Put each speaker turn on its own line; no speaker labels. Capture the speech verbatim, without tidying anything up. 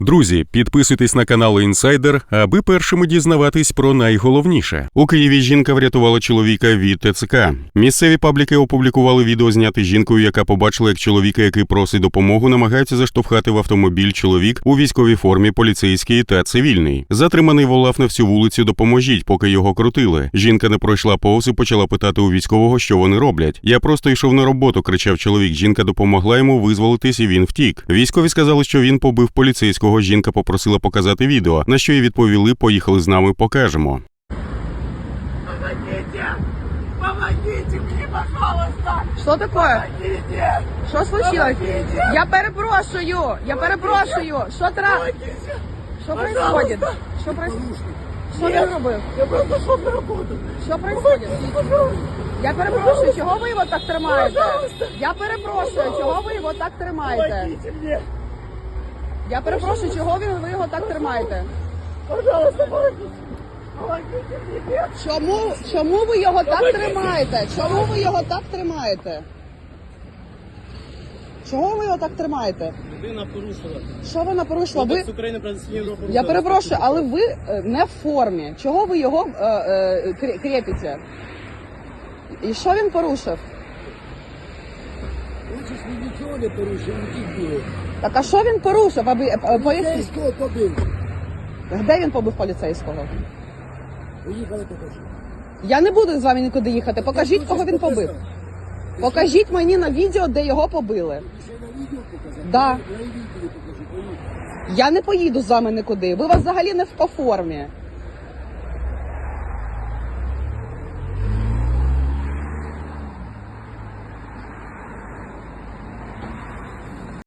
Друзі, підписуйтесь на канал Інсайдер, аби першими дізнаватись про найголовніше. У Києві жінка врятувала чоловіка від ТЦК. Місцеві пабліки опублікували відео, зняте жінкою, яка побачила, як чоловіка, який просить допомогу, намагається заштовхати в автомобіль чоловік у військовій формі, поліцейський та цивільний. Затриманий волав на всю вулицю «Допоможіть», поки його крутили. Жінка не пройшла повз і почала питати у військового, що вони роблять. «Я просто йшов на роботу», – кричав чоловік. Жінка допомогла йому визволитись, і він втік. Військові сказали, що він побив поліцейського. Жінка попросила показати відео, на що їй відповіли: «Поїхали з нами, покажемо».
Помогите! Помогите мне, пожалуйста!
Что такое?
Помогите!
Что случилось?
Помогите!
Я перепрошую! Я перепрошую! Що тра...
Помогите!
Що
Пожалуйста!
происходит? Що происходит? Що
Нет.
ти робив?
Я просто шел на работу!
Що происходит?
Пожалуйста!
Я перепрошую, чого ви його так тримаєте?
Пожалуйста!
Я перепрошую, чого ви його так тримаєте?
Помогите мне!
Я перепрошую, чого ви ви його так тримаєте?
Пожалуйста, помогите! Помогите мне! Нет.
Чому, чому ви його так тримаєте? Чому ви його так тримаєте? Чого ви його так тримаєте?
Людина порушила.
Що вона порушила? Ви...
Кодекс України про адміністративні правопорушення.
Я перепрошую, але ви е, не в формі. Чого ви його е, е, крі- крепите? І що він порушив?
Хочеш, він нічого не порушив, він було.
Так а що він порушив? Аби е, е, поясніть.
Поліцейського побив.
Де він побив поліцейського?
Поїхали покажу.
Я не буду з вами нікуди їхати. Покажіть, кого він побив. Покажіть мені на відео, де його побили.
Ще на відео показати?
Да.
На відео покажу, поїхали.
Я не поїду з вами нікуди. Ви вас взагалі не в по формі.